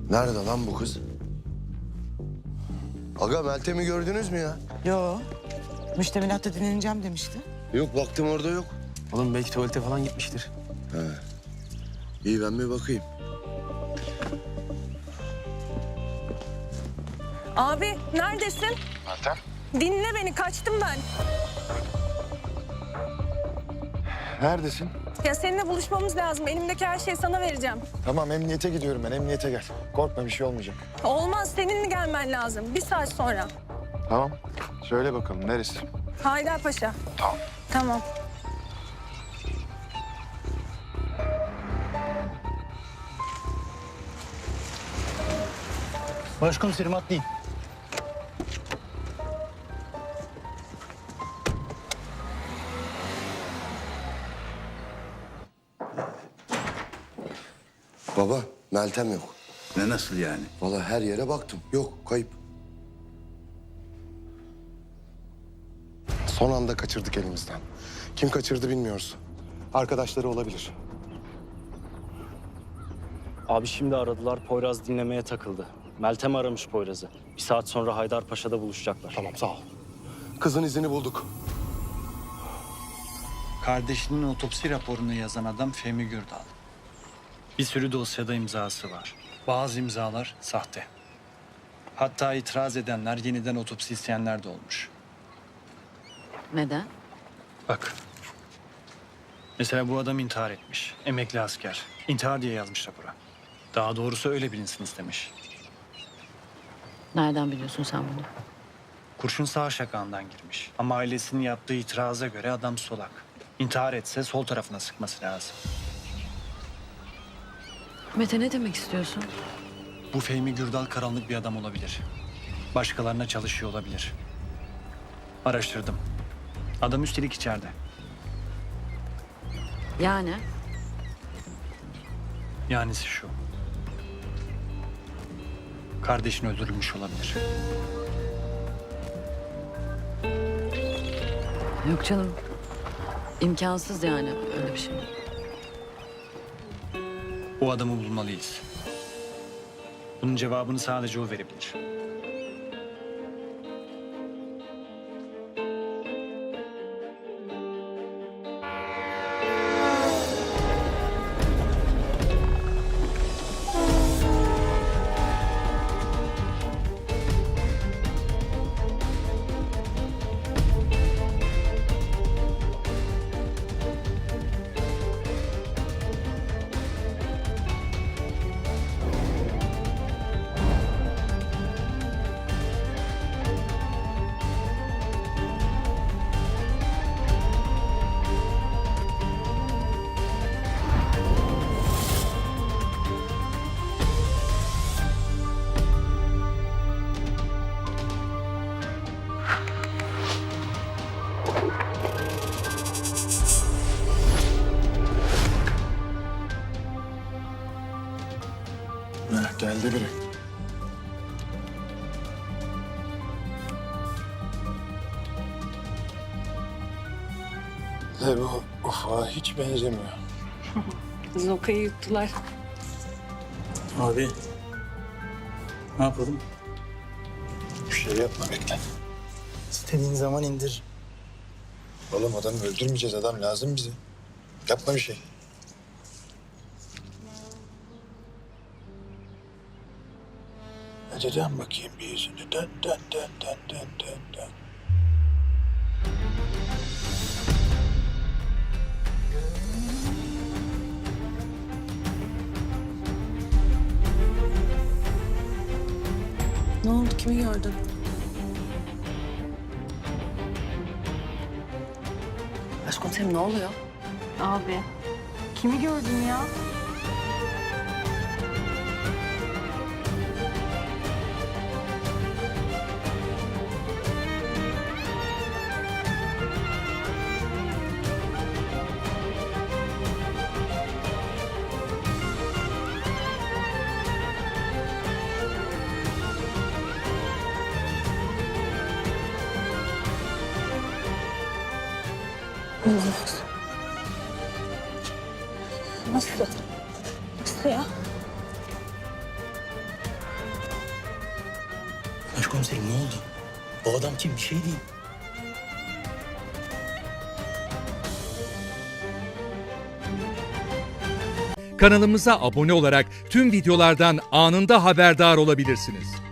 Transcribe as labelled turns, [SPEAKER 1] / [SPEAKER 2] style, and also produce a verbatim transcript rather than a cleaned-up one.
[SPEAKER 1] Nerede lan bu kız? Aga Meltem'i gördünüz mü ya?
[SPEAKER 2] Yo. Müştemilatta dinleneceğim demişti.
[SPEAKER 1] Yok baktım orada yok.
[SPEAKER 3] Oğlum belki tuvalete falan gitmiştir.
[SPEAKER 1] He. İyi ben bir bakayım.
[SPEAKER 4] Abi neredesin?
[SPEAKER 1] Meltem.
[SPEAKER 4] Dinle beni, kaçtım ben.
[SPEAKER 5] Neredesin?
[SPEAKER 4] Ya seninle buluşmamız lazım. Elimdeki her şeyi sana vereceğim.
[SPEAKER 5] Tamam, emniyete gidiyorum ben. Emniyete gel. Korkma, bir şey olmayacak.
[SPEAKER 4] Olmaz, seninle gelmen lazım. Bir saat sonra.
[SPEAKER 5] Tamam. Söyle bakalım, neresi?
[SPEAKER 4] Haydarpaşa. Tamam. Tamam.
[SPEAKER 6] Başkomiserim atlayın.
[SPEAKER 1] Baba Meltem yok.
[SPEAKER 7] Ne nasıl yani?
[SPEAKER 1] Vallahi her yere baktım. Yok kayıp.
[SPEAKER 5] Son anda kaçırdık elimizden. Kim kaçırdı bilmiyoruz. Arkadaşları olabilir.
[SPEAKER 6] Abi şimdi aradılar. Poyraz dinlemeye takıldı. Meltem aramış Poyraz'ı. Bir saat sonra Haydarpaşa'da buluşacaklar.
[SPEAKER 5] Tamam, sağ ol. Kızın izini bulduk.
[SPEAKER 8] Kardeşinin otopsi raporunu yazan adam Fehmi Gürdal. Bir sürü dosyada imzası var. Bazı imzalar sahte. Hatta itiraz edenler, yeniden otopsi isteyenler de olmuş.
[SPEAKER 9] Neden?
[SPEAKER 8] Bak. Mesela bu adam intihar etmiş. Emekli asker. İntihar diye yazmış rapora. Daha doğrusu öyle bilinsin istemiş.
[SPEAKER 9] Nereden biliyorsun sen bunu?
[SPEAKER 8] Kurşun sağ şakağından girmiş. Ama ailesinin yaptığı itiraza göre adam solak. İntihar etse sol tarafına sıkması lazım.
[SPEAKER 9] Mete, ne demek istiyorsun?
[SPEAKER 8] Bu Fehmi Gürdal karanlık bir adam olabilir. Başkalarına çalışıyor olabilir. Araştırdım. Adam üstelik içeride.
[SPEAKER 9] Yani?
[SPEAKER 8] Yanisi şu. Kardeşin öldürülmüş olabilir.
[SPEAKER 9] Yok canım. İmkansız yani öyle bir şey.
[SPEAKER 8] O adamı bulmalıyız. Bunun cevabını sadece o verebilir.
[SPEAKER 5] Heh, geldi biri. Ne bu? Ufa hiç benzemiyor.
[SPEAKER 4] Zoka'yı yuttular.
[SPEAKER 8] Abi. Ne yapalım?
[SPEAKER 5] Bir şey yapma, bekle.
[SPEAKER 6] İstediğin zaman indir.
[SPEAKER 5] Oğlum adamı öldürmeyeceğiz, adam lazım bize. Yapma bir şey. Hadi dön bakayım bir yüzünü. Dön, dön, dön, dön, dön, dön, dön.
[SPEAKER 4] Ne oldu, kimi gördün?
[SPEAKER 9] Başkomiserim ne oluyor?
[SPEAKER 4] Abi. Kimi gördün ya? Olamaz. Nasıl? Nasıl ya?
[SPEAKER 7] Başkomiserim ne oldu? O adam kim? Bir şey değil.
[SPEAKER 10] Kanalımıza abone olarak tüm videolardan anında haberdar olabilirsiniz.